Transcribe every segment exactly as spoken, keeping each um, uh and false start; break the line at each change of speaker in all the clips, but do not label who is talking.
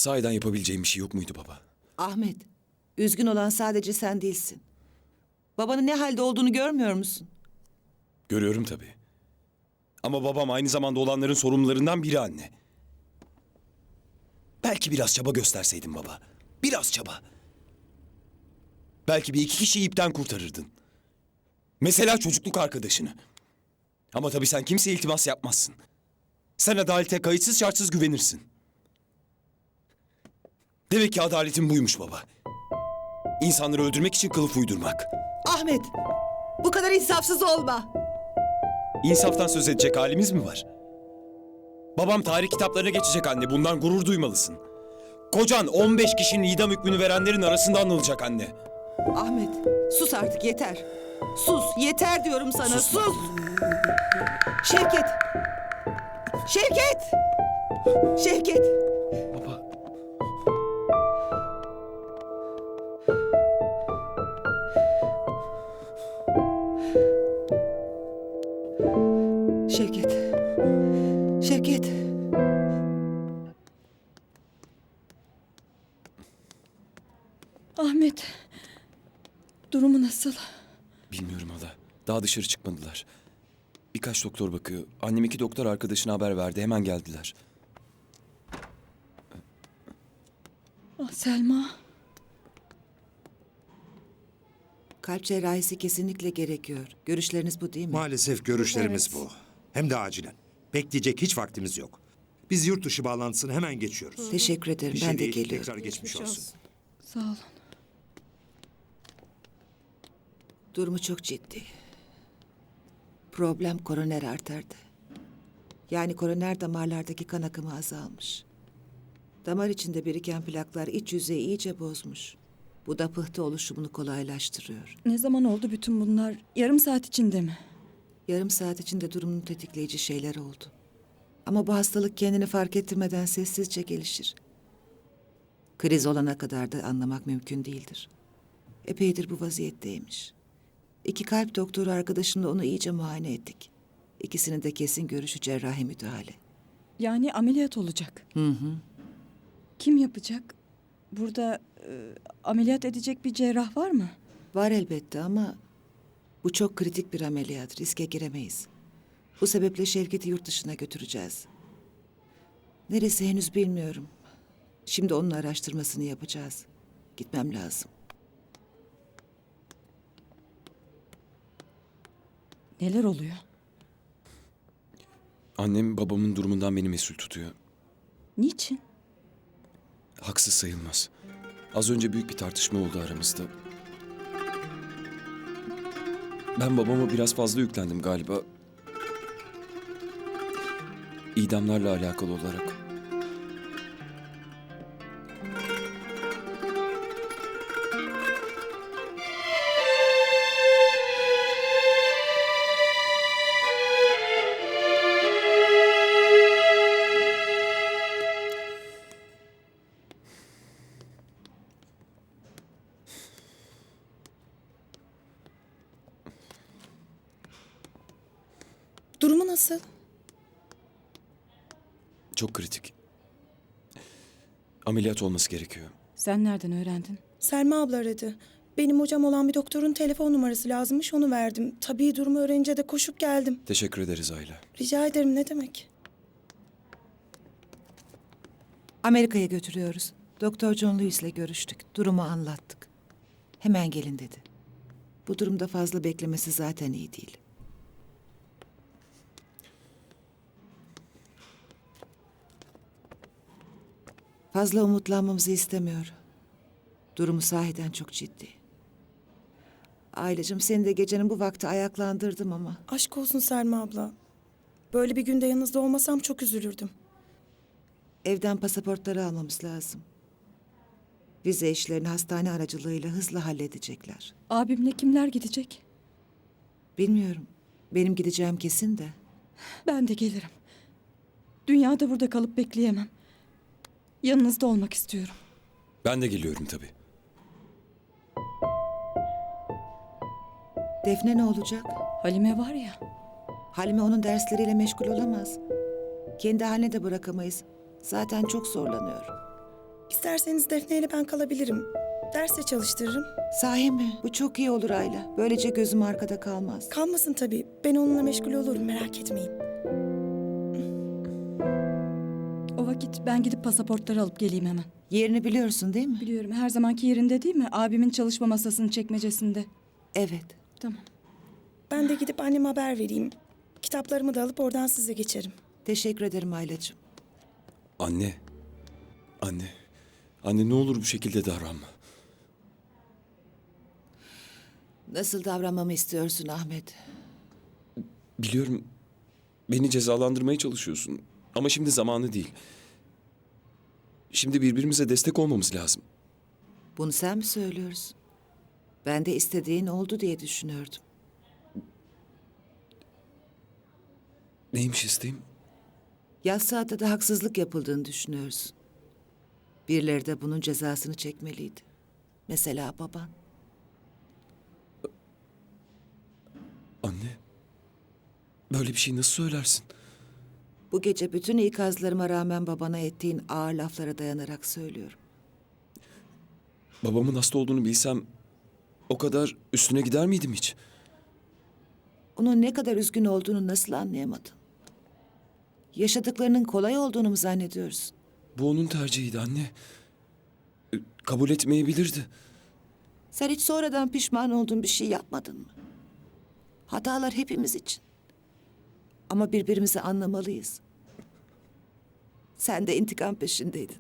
Sahiden yapabileceğim bir şey yok muydu baba?
Ahmet, üzgün olan sadece sen değilsin. Babanın ne halde olduğunu görmüyor musun?
Görüyorum tabii. Ama babam aynı zamanda olanların sorumlularından biri anne. Belki biraz çaba gösterseydin baba. Biraz çaba. Belki bir iki kişiyi ipten kurtarırdın. Mesela çocukluk arkadaşını. Ama tabii sen kimseye iltimas yapmazsın. Sen adalete kayıtsız şartsız güvenirsin. Demek ki adaletin buymuş baba. İnsanları öldürmek için kılıf uydurmak.
Ahmet, bu kadar insafsız olma.
İnsaftan söz edecek halimiz mi var? Babam tarih kitaplarına geçecek anne. Bundan gurur duymalısın. Kocan on beş kişinin idam hükmünü verenlerin arasında anılacak anne.
Ahmet, sus artık yeter. Sus, yeter diyorum sana,
Susma.
sus. Şevket. Şevket. Şevket.
Baba.
Şevket. Şevket.
Ahmet, durumu nasıl?
Bilmiyorum hala. Daha dışarı çıkmadılar. Birkaç doktor bakıyor. Annem iki doktor arkadaşına haber verdi. Hemen geldiler.
Ah Selma,
Kalp cerrahisi kesinlikle gerekiyor. Görüşleriniz bu değil mi?
Maalesef görüşlerimiz
Evet.
bu. Hem de acilen. Bekleyecek hiç vaktimiz yok. Biz yurt dışı bağlantısını hemen geçiyoruz.
Teşekkür ederim,
Bir şey
ben de
değil,
geliyorum.
Tekrar geçmiş olsun.
sağ olun.
Durumu çok ciddi. Problem koroner arterde. Yani koroner damarlardaki kan akımı azalmış. Damar içinde biriken plaklar iç yüzeyi iyice bozmuş. Bu da pıhtı oluşumunu kolaylaştırıyor.
Ne zaman oldu bütün bunlar? Yarım saat içinde mi?
Yarım saat içinde durumunu tetikleyici şeyler oldu. Ama bu hastalık kendini fark ettirmeden sessizce gelişir. Kriz olana kadar da anlamak mümkün değildir. Epeydir bu vaziyetteymiş. İki kalp doktoru arkadaşımla onu iyice muayene ettik. İkisinin de kesin görüşü cerrahi müdahale.
Yani ameliyat olacak.
Hı hı.
Kim yapacak? Burada e, ameliyat edecek bir cerrah var mı?
Var elbette ama bu çok kritik bir ameliyat. Riske giremeyiz. Bu sebeple Şevket'i yurt dışına götüreceğiz. Neresi henüz bilmiyorum. Şimdi onun araştırmasını yapacağız. Gitmem lazım.
Neler oluyor?
Annem babamın durumundan beni mesul tutuyor.
Niçin?
Haksız sayılmaz. Az önce büyük bir tartışma oldu aramızda. Ben babama biraz fazla yüklendim galiba. İdamlarla alakalı olarak.
Durumu nasıl?
Çok kritik. Ameliyat olması gerekiyor.
Sen nereden öğrendin?
Selma abla aradı. Benim hocam olan bir doktorun telefon numarası lazımmış, onu verdim. Tabii durumu öğrenince de koşup geldim.
Teşekkür ederiz Ayla.
Rica ederim, ne demek?
Amerika'ya götürüyoruz. Doktor John Lewis'le görüştük. Durumu anlattık. Hemen gelin dedi. Bu durumda fazla beklemesi zaten iyi değil. Fazla umutlanmamızı istemiyor. Durumu sahiden çok ciddi. Ailecim seni de gecenin bu vakti ayaklandırdım ama...
Aşk olsun Selma abla. Böyle bir günde yanınızda olmasam çok üzülürdüm.
Evden pasaportları almamız lazım. Vize işlerini hastane aracılığıyla hızla halledecekler.
Abimle kimler gidecek?
Bilmiyorum. Benim gideceğim kesin de.
Ben de gelirim. Dünyada burada kalıp bekleyemem. Yanınızda olmak istiyorum.
Ben de geliyorum tabii.
Defne ne olacak?
Halime var ya.
Halime onun dersleriyle meşgul olamaz. Kendi haline de bırakamayız. Zaten çok zorlanıyor.
İsterseniz Defne ile ben kalabilirim. Derse çalıştırırım.
Sahi mi? Bu çok iyi olur Ayla. Böylece gözüm arkada kalmaz.
Kalmasın tabii. Ben onunla meşgul olurum, merak etmeyin.
O vakit ben gidip pasaportları alıp geleyim hemen.
Yerini biliyorsun değil mi?
Biliyorum, her zamanki yerinde değil mi? Abimin çalışma masasının çekmecesinde.
Evet.
Tamam.
Ben de gidip anneme haber vereyim. Kitaplarımı da alıp oradan size geçerim.
Teşekkür ederim Aylacığım.
Anne. Anne. Anne ne olur bu şekilde davranma.
Nasıl davranmamı istiyorsun Ahmet?
Biliyorum beni cezalandırmaya çalışıyorsun. Ama şimdi zamanı değil. Şimdi birbirimize destek olmamız lazım.
Bunu sen mi söylüyorsun? Ben de istediğin oldu diye düşünüyordum.
Neymiş isteğim?
Yaz saatte de haksızlık yapıldığını düşünüyorsun. Birileri de bunun cezasını çekmeliydi. Mesela baban.
Anne. Böyle bir şey nasıl söylersin?
Bu gece bütün ikazlarıma rağmen babana ettiğin ağır laflara dayanarak söylüyorum.
Babamın hasta olduğunu bilsem o kadar üstüne gider miydim hiç?
Onun ne kadar üzgün olduğunu nasıl anlayamadın? Yaşadıklarının kolay olduğunu mu zannediyorsun?
Bu onun tercihiydi anne. E, Kabul etmeyebilirdi.
Sen hiç sonradan pişman olduğun bir şey yapmadın mı? Hatalar hepimiz için. Ama birbirimizi anlamalıyız. Sen de intikam peşindeydin.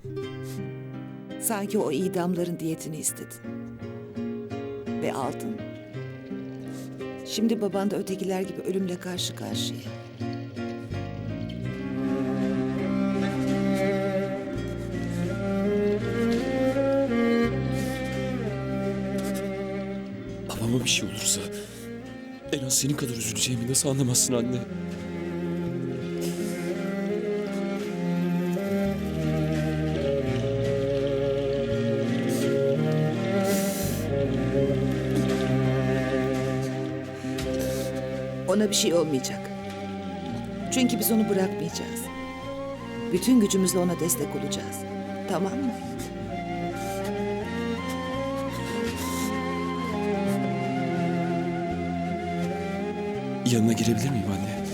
Sanki o idamların diyetini istedin. Ve aldın. Şimdi baban da ötekiler gibi ölümle karşı karşıya.
Babama bir şey olursa en az senin kadar üzüleceğimi nasıl anlamazsın anne?
Ona bir şey olmayacak. Çünkü biz onu bırakmayacağız. Bütün gücümüzle ona destek olacağız. Tamam mı?
Yanına girebilir miyim anne?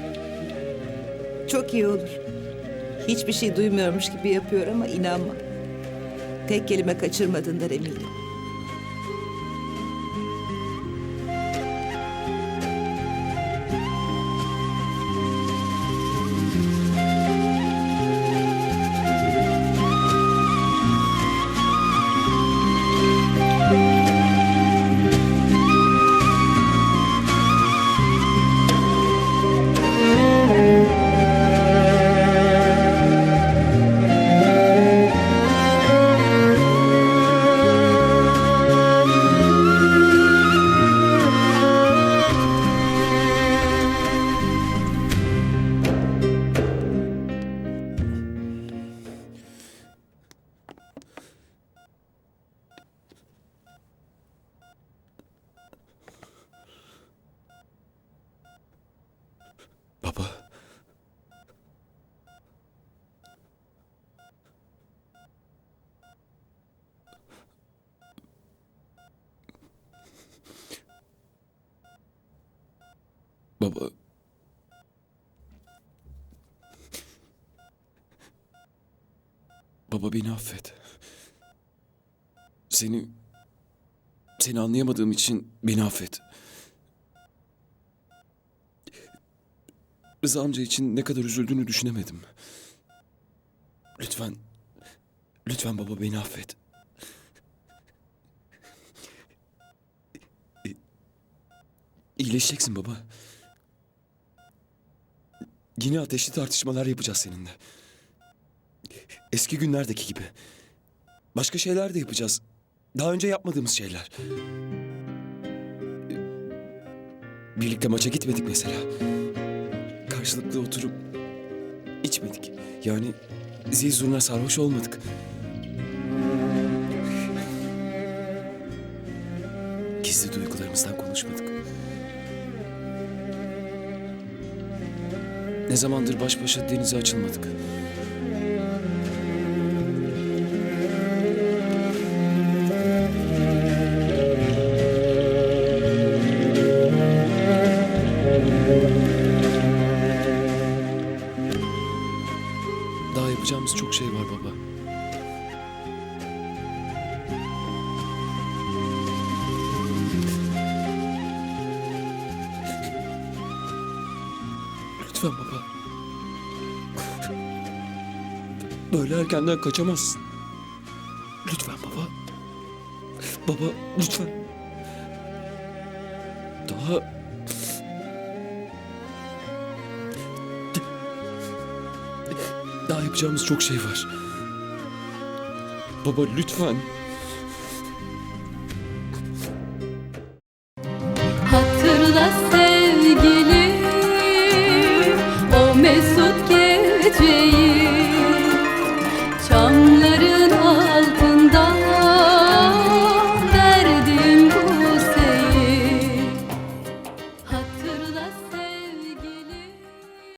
Çok iyi olur. Hiçbir şey duymuyormuş gibi yapıyor ama inanma. Tek kelime kaçırmadığından eminim. Baba. Baba. Baba beni affet. Seni... Seni anlayamadığım için beni affet. Rıza amca için ne kadar üzüldüğünü düşünemedim. Lütfen, lütfen baba beni affet. İ- İyileşeceksin baba. Yine ateşli tartışmalar yapacağız seninle. Eski günlerdeki gibi. Başka şeyler de yapacağız. Daha önce yapmadığımız şeyler. Birlikte maça gitmedik mesela. Karşılıklı oturup içmedik. Yani zil zurna sarhoş olmadık. Gizli duygularımızdan konuşmadık. Ne zamandır baş başa denize açılmadık.
Daha yapacağımız çok şey var baba. Lütfen baba. Böyle erkenden kaçamazsın. Lütfen baba. Baba lütfen. Daha... Daha yapacağımız çok şey var. Baba lütfen.
Hatırla sevgilim o mesut geceyi.